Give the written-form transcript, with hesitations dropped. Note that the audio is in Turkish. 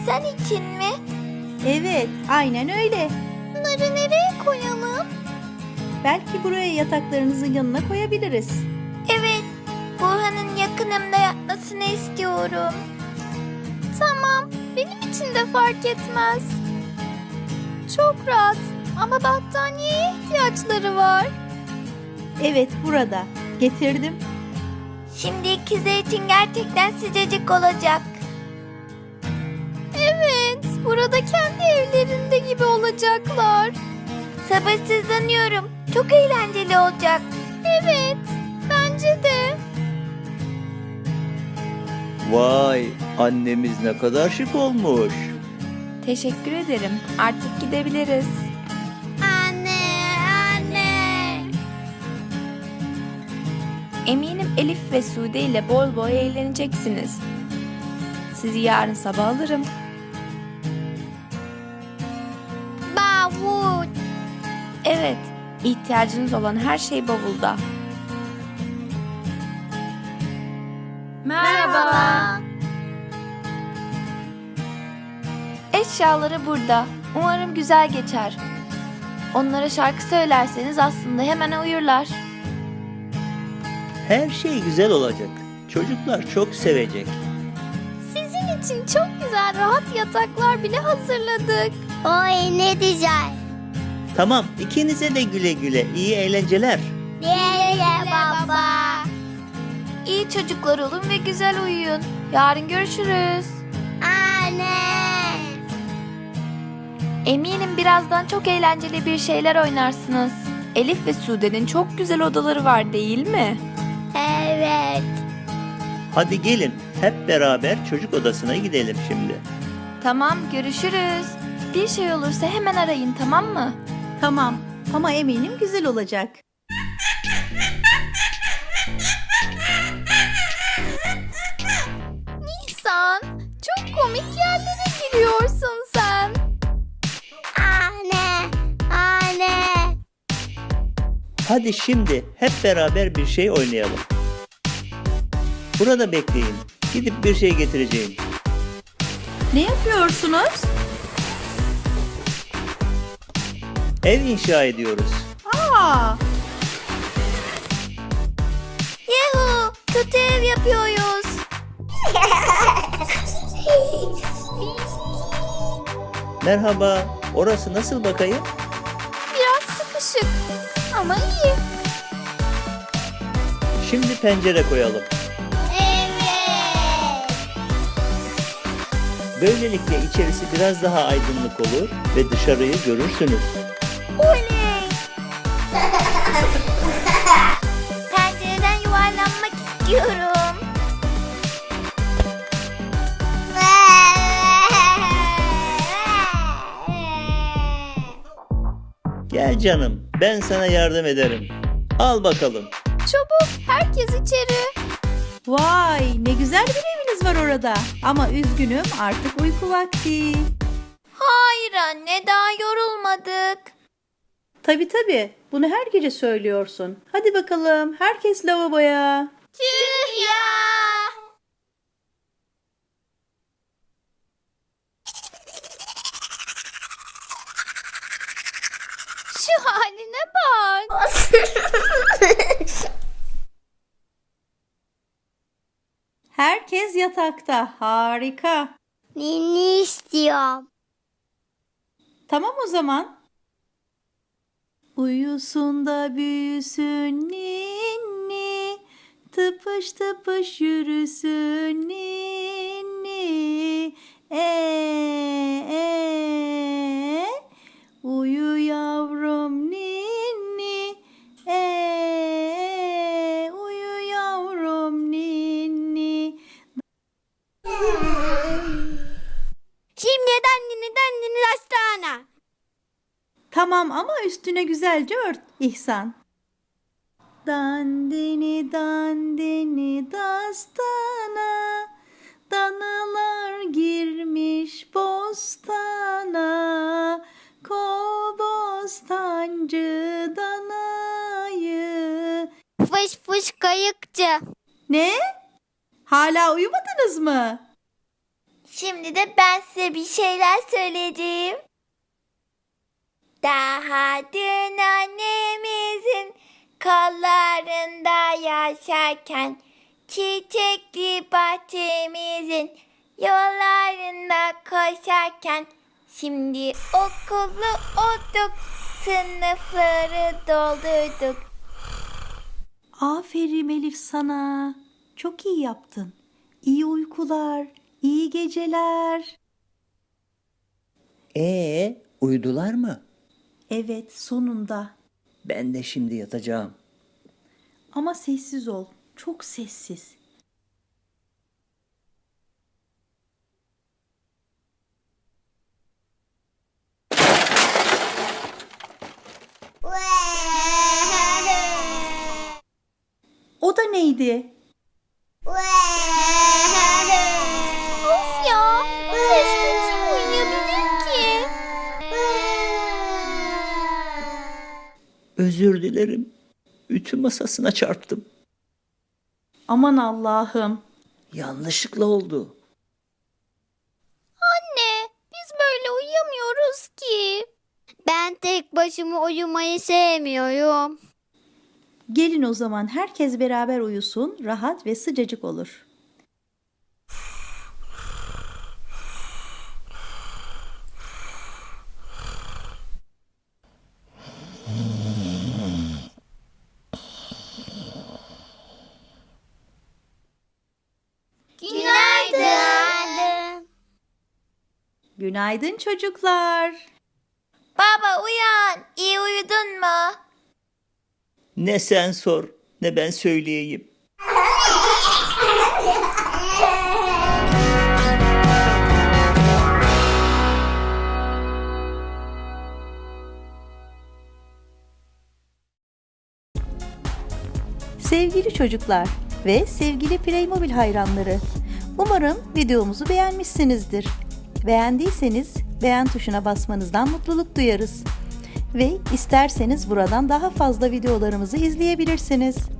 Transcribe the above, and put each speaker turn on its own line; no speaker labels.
Sen için mi?
Evet, aynen öyle.
Bunları nereye koyalım?
Belki buraya yataklarınızın yanına koyabiliriz.
Evet, Burhan'ın yakınımda yatmasını istiyorum. Tamam, benim için de fark etmez. Çok rahat ama battaniyeye ihtiyaçları var.
Evet, burada. Getirdim.
Şimdi ikizler için gerçekten sıcacık olacak. Evet, burada kendi evlerinde gibi olacaklar. Sabırsızlanıyorum. Çok eğlenceli olacak. Evet, bence de.
Vay, annemiz ne kadar şık olmuş.
Teşekkür ederim. Artık gidebiliriz.
Anne.
Eminim Elif ve Sude ile bol bol eğleneceksiniz. Sizi yarın sabah alırım.
Bavul.
Evet, ihtiyacınız olan her şey bavulda.
Merhaba.
Eşyaları burada. Umarım güzel geçer. Onlara şarkı söylerseniz aslında hemen uyurlar.
Her şey güzel olacak. Çocuklar çok sevecek.
Sizin için çok güzel rahat yataklar bile hazırladık. Oy ne güzel.
Tamam, ikinize de güle güle. İyi eğlenceler.
Diye baba.
İyi çocuklar olun ve güzel uyuyun. Yarın görüşürüz.
Anne.
Eminim birazdan çok eğlenceli bir şeyler oynarsınız. Elif ve Sude'nin çok güzel odaları var değil mi?
Evet.
Hadi gelin, hep beraber çocuk odasına gidelim şimdi.
Tamam, görüşürüz. Bir şey olursa hemen arayın, tamam mı?
Tamam, ama eminim güzel olacak.
Nisan, çok komik yerlere giriyorsun sen. Anne.
Hadi şimdi hep beraber bir şey oynayalım. Burada bekleyin. Gidip bir şey getireceğim.
Ne yapıyorsunuz?
Ev inşa ediyoruz.
Aa,
Yuhu, kötü ev yapıyoruz.
Merhaba, orası nasıl bakayım?
Biraz sıkışık ama iyi.
Şimdi pencere koyalım.
Evet.
Böylelikle içerisi biraz daha aydınlık olur ve dışarıyı görürsünüz.
Oley. Pencereden yuvarlanmak istiyorum.
Gel canım, ben sana yardım ederim. Al bakalım.
Çabuk, herkes içeri.
vay ne güzel bir eviniz var orada. Ama üzgünüm artık uyku vakti.
Hayır anne, daha yorulmadık.
Tabii, bunu her gece söylüyorsun. Hadi bakalım, herkes lavaboya.
Tüh ya. Şu haline bak.
Herkes yatakta, harika.
Ninni istiyorum.
Tamam o zaman. Uyusun da büyüsün ninni, tıpış tıpış yürüsün ninni. Uyu yavrum ninni. Uyu yavrum ninni.
Şimdi dannini hastane.
Tamam ama üstüne güzelce ört İhsan. Dandini dandini dastana, danalar girmiş bostana, kol bostancı danayı.
Fış fış kayıkçı.
Ne? Hala uyumadınız mı?
Şimdi de ben size bir şeyler söyleyeceğim. Daha dün annemizin kollarında yaşarken, çiçekli bahçemizin yollarında koşarken, şimdi okullu olduk, sınıfları doldurduk.
Aferin Elif sana. Çok iyi yaptın. İyi uykular, iyi geceler.
Uyudular mı?
Evet, sonunda.
Ben de şimdi yatacağım.
Ama sessiz ol. Çok sessiz. O da neydi?
Of ya, bu sesle kim uyuyabilir ki?
Özür dilerim. Ütü masasına çarptım.
Aman Allah'ım.
Yanlışlıkla oldu.
Anne, biz böyle uyuyamıyoruz ki. Ben tek başıma uyumayı sevmiyorum.
Gelin o zaman herkes beraber uyusun, rahat ve sıcacık olur.
Günaydın.
Günaydın çocuklar.
Baba uyan, iyi uyudun mu?
Ne sen sor, ne ben söyleyeyim.
Sevgili çocuklar ve sevgili Playmobil hayranları, umarım videomuzu beğenmişsinizdir. Beğendiyseniz beğen tuşuna basmanızdan mutluluk duyarız. Ve isterseniz buradan daha fazla videolarımızı izleyebilirsiniz.